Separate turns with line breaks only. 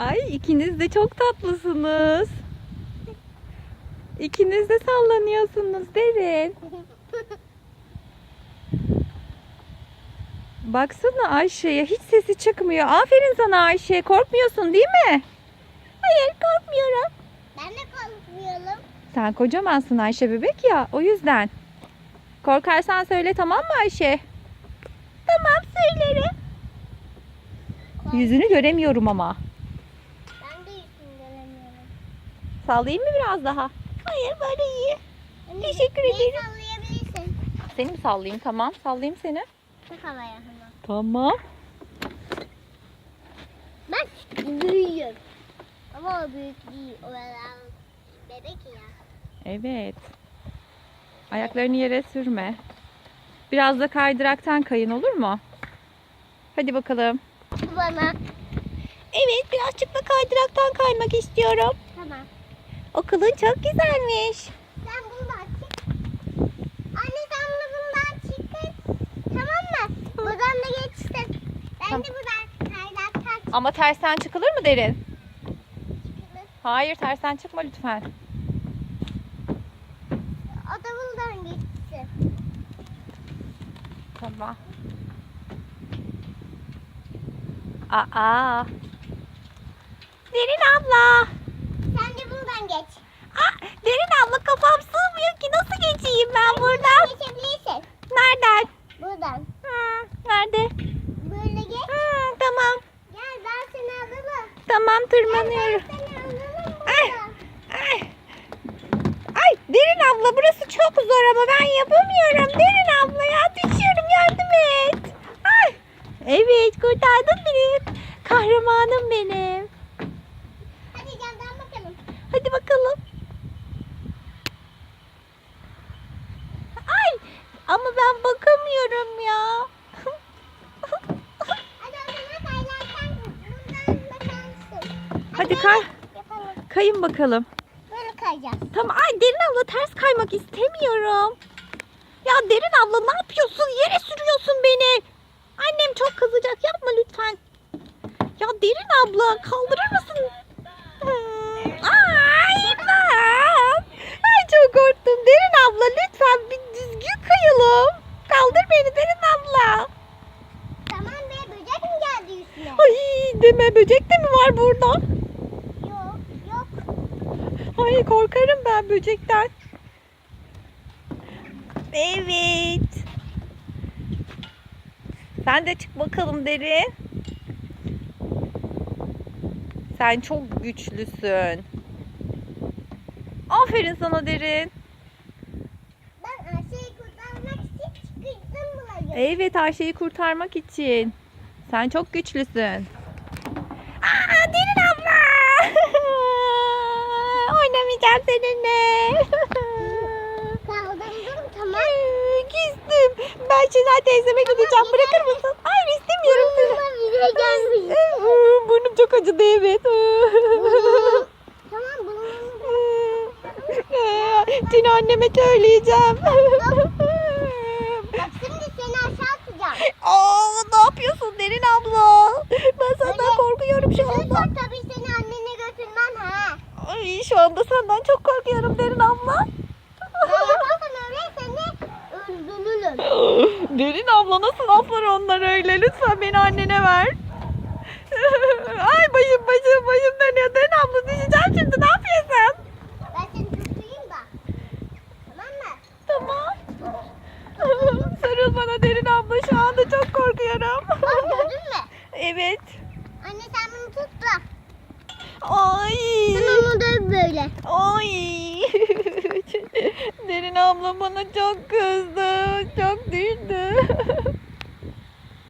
Ay, ikiniz de çok tatlısınız. İkiniz de sallanıyorsunuz Derin. Baksana Ayşe'ye, hiç sesi çıkmıyor. Aferin sana Ayşe. Korkmuyorsun değil mi? Hayır, korkmuyorum.
Ben de korkmuyorum.
Sen kocamansın Ayşe, bebek ya, o yüzden. Korkarsan söyle, tamam mı Ayşe? Tamam, söylerim. Yüzünü göremiyorum ama.
Ben de yüzünü göremiyorum.
Sallayayım mı biraz daha? Hayır, böyle iyi. Teşekkür
Beni
ederim.
sallayabilirsin.
Seni mi sallayayım? Tamam, sallayayım seni.
Çok havaya hemen.
Tamam.
Bak büyüyor. Ama o büyük değil. O adam bebek ya.
Evet. Ayaklarını yere sürme. Biraz da kaydıraktan kayın, olur mu? Hadi bakalım.
Bana.
Evet, birazcık da kaydıraktan kaymak istiyorum.
Tamam.
Okulun çok güzelmiş.
Sen bundan çık. Anne sen de bundan çıkın. Tamam mı? Buradan da geçsin. Ben
Tamam.
de buradan kaynaktan çıkılır.
Ama tersten çıkılır mı Derin? Hayır, tersten çıkma lütfen.
O da buradan geçsin.
Tamam. Aa. Derin abla.
Sen de buradan geç.
Derin abla, kafam sığmıyor ki, nasıl geçeyim ben buradan?
Geçebilirsin.
Nereden?
Buradan.
Nerede?
Böyle geç.
Tamam.
Gel ben seni alırım.
Tamam,
Gel
tırmanıyorum.
ben seni alırım
Ay.
buradan.
Ay. Ay Derin abla, burası çok zor ama ben yapamıyorum. Derin abla ya, düşüyorum, yardım et. Ay. Evet, kurtardın beni. Kahramanım benim.
Hadi camdan bakalım.
Hadi bakalım. Ay, ama ben bakamıyorum ya.
Hadi o zaman kaynaktan buradan bakarsın.
Hadi
böyle
kay.
yapalım.
Kayın bakalım.
Böyle kayacağız.
Tamam. Ay Derin abla, ters kaymak istemiyorum. Ya Derin abla, ne yapıyorsun? Yere sürüyorsun beni. Annem çok kızacak. Yapma lütfen. Ya Derin abla, kaldırır mısın? Ay ben. Ay çok korktum. Derin abla, lütfen bir düzgün kayalım. Kaldır beni Derin abla.
Tamam be, böcek mi geldi üstüne?
Ay deme, böcek de mi var burada?
Yok yok.
Ay korkarım ben böcekten. Evet. Sen de çık bakalım Derin. Sen çok güçlüsün. Aferin sana Derin.
Ben Ayşe'yi kurtarmak için çıkıştım buraya.
Evet, Ayşe'yi kurtarmak için. Sen çok güçlüsün. Aa, Derin abla. Oynamayacağım seninle.
Kaldırdım tamam.
Küstüm. Ben Şenay teyzeme gideceğim. Bırakır mısın? Hayır, istemiyorum seni.
Burnuma bile gelmiş.
Burnum çok acıdı, evet.
Tamam burnuma.
Seni anneme söyleyeceğim.
Bak şimdi seni aşağı atacağım.
Aa, ne yapıyorsun Derin abla? Ben senden
Öyle-
korkuyorum şu anda.
Lütfen tabii seni annene götürmem ha.
Ay, şu anda senden çok korkuyorum Derin abla.
Ben yaparsan öyle seni öldürürüm.
Derin abla, nasıl laflar onlar öyle? Lütfen beni annene ver. Ay başım dönüyor. Derin abla, düşeceğim şimdi. Ne yapıyorsun?
Ben seni tutayım da. Tamam mı?
Tamam. Sarıl bana Derin abla. Şu anda çok korkuyorum.
Bak gördün mü?
Evet.
Anne sen bunu tut da.
Ay.
Sen onu döv böyle.
Ay. Derin abla bana çok kızdı. Çok düştü.